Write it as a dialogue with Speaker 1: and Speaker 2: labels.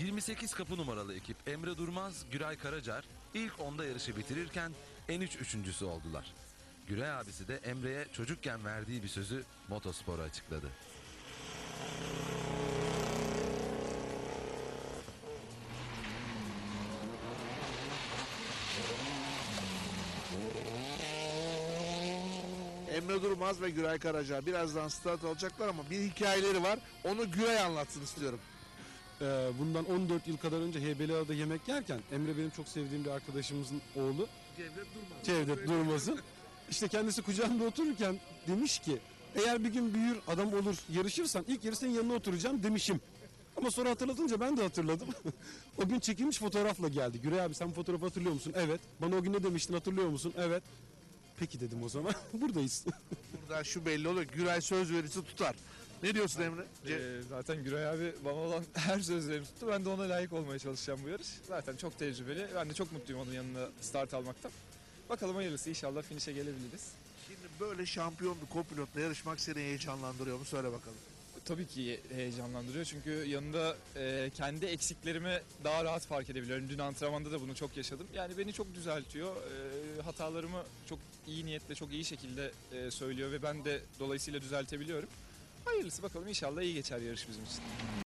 Speaker 1: 28 kapı numaralı ekip Emre Durmaz, Güray Karacar ilk 10'da yarışı bitirirken en üçüncüsü oldular. Güray abisi de Emre'ye çocukken verdiği bir sözü motospora açıkladı.
Speaker 2: Emre Durmaz ve Güray Karaca birazdan start alacaklar ama bir hikayeleri var. Onu Güray anlatsın istiyorum.
Speaker 3: Bundan 14 yıl kadar önce Heybeliada'da yemek yerken Emre benim çok sevdiğim bir arkadaşımızın oğlu Cevdet Durmaz'ın işte kendisi kucağımda otururken demiş ki eğer bir gün büyür adam olur yarışırsan ilk yarı senin yanına oturacağım demişim. Ama sonra hatırlatınca ben de hatırladım. O gün çekilmiş fotoğrafla geldi. Güray abi sen bu fotoğrafı hatırlıyor musun? Evet. Bana o gün ne demiştin hatırlıyor musun? Evet. Peki dedim o zaman. Buradayız.
Speaker 2: Burada şu belli oluyor. Güray söz verirse tutar. Ne diyorsun Emre?
Speaker 4: Zaten Güray abi bana olan her sözlerimi tuttu. Ben de ona layık olmaya çalışacağım bu yarış. Zaten çok tecrübeli. Ben de çok mutluyum onun yanında start almaktan. Bakalım hayırlısı, inşallah finish'e gelebiliriz.
Speaker 2: Şimdi böyle şampiyon bir kopilotla yarışmak seni heyecanlandırıyor mu? Söyle bakalım.
Speaker 4: Tabii ki heyecanlandırıyor çünkü yanında kendi eksiklerimi daha rahat fark edebiliyorum. Dün antrenmanda da bunu çok yaşadım. Yani beni çok düzeltiyor. Hatalarımı çok iyi niyetle, çok iyi şekilde söylüyor ve ben de dolayısıyla düzeltebiliyorum. Hayırlısı, bakalım inşallah iyi geçer yarış bizim için.